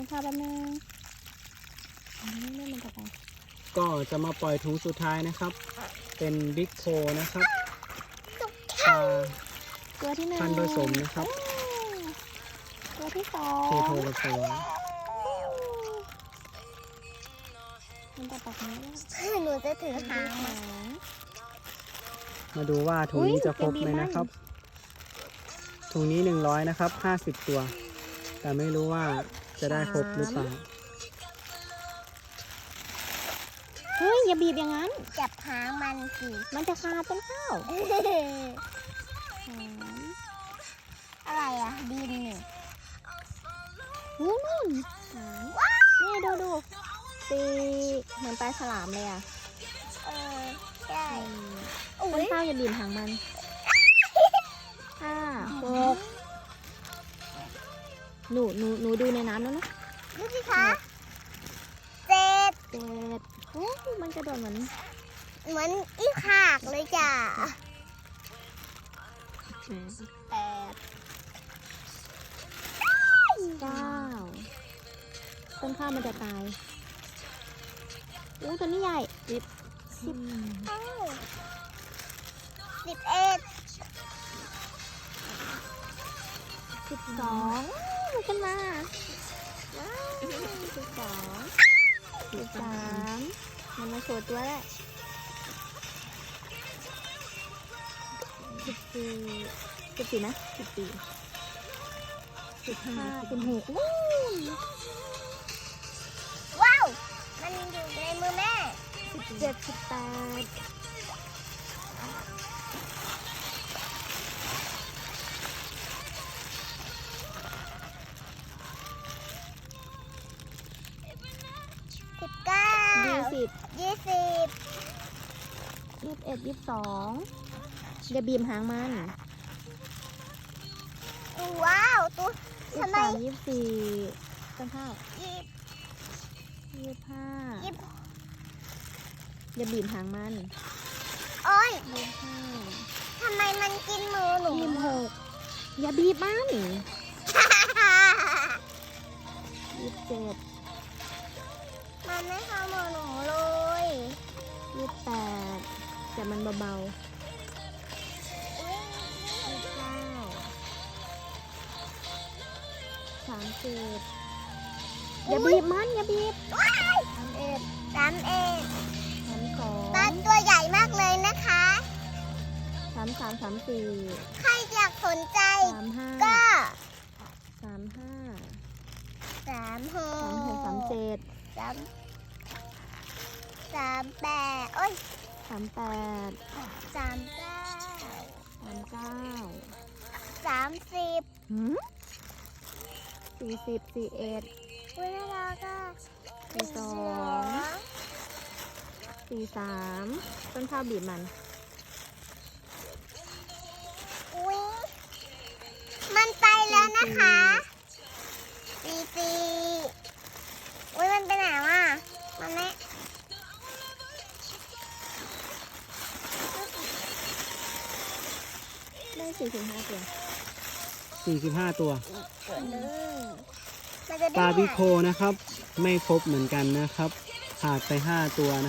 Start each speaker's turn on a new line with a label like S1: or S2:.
S1: ข้าวแป๊บนึงนี่มันจะไป
S2: ก็จะมาปล่อยถุงสุดท้ายนะครับ เป็นบิ๊กโคนะครับปลา
S1: ตัวที่หนึ่ง
S2: พันธุ์ผสมนะครับ
S1: ตัวที่สอง
S2: เคโทผสม
S1: มันจะปักนี้
S3: หนูจะถือหาง
S1: หาง
S2: มาดูว่าถุงนี้จะครบไหมนะครับ ถุงนี้100นะครับ50 ตัว แต่ไม่รู้ว่าจะได้ครบหรือเปล่า
S1: เฮ้ยอย่าบีบอย่างนั้น
S3: จับหางมันสิ
S1: มันจะขาดต้นข้าวสาม
S3: อะไรอ่ะดินนี่
S1: นู่นสามนี่ดูสี่เหมือนปลาฉลามเลยอ่ะ
S3: ใช่
S1: ต้นข้าวอย่าบีบหางมันห้าหกหนูดูในน้ำแล้วนะ
S3: ดูสิคะเจ็ด
S1: เจ็ดโอ้มันกระโดดเหมือน
S3: เหมือนอีขากเลยจ้ะ
S1: แปดเก้าต้นข้าวมันจะตายอู้ตัวนี้ใหญ่สิบ
S3: 11
S1: 12มันขึ้นมาว้าว13มันมาโชว์ตัวแล้ว14นะ15 16วู้
S3: ว้าว มันอยู่ในมือแม่
S1: 17 18
S3: 19
S1: 20
S3: 20
S1: 21 22อย่าบีบหางมัน
S3: ว้าวตัวทำไม
S1: 23 24ต้นข้าว
S3: ยี่
S1: 25
S3: ยี่
S1: อย่าบีบหางมัน
S3: โอ้ย
S1: 25
S3: ทำไมมันกินมือหนู
S1: 26อย่าบีบมัน27
S3: มันไม่เข้ามือหนูเลย
S1: 28แต่มันเบาๆ 30อย่าบีบมันอย่าบีบ31 32
S3: ปลาตัวใหญ่มากเลยนะคะ
S1: 33 34
S3: ใครอยากสนใจ
S1: 35
S3: ก็
S1: 35
S3: 36
S1: 36 37
S3: 38โอ้ย
S1: 38
S3: 39
S1: 39
S3: 30
S1: หืม40 41
S3: เวลาก็
S1: 43ต้นข้าวบีบมัน
S3: อุ้ยมันไปแล้วนะคะ44อุ้ยมันไปไหนวะมันไม่
S1: ได้45ตัว
S2: 45 ตัว
S3: มันจะได้
S2: ปลา
S3: ไหน
S2: บิ๊กโคนะครับ ไม่ครบเหมือนกันนะครับ ขาดไป5 ตัวนะ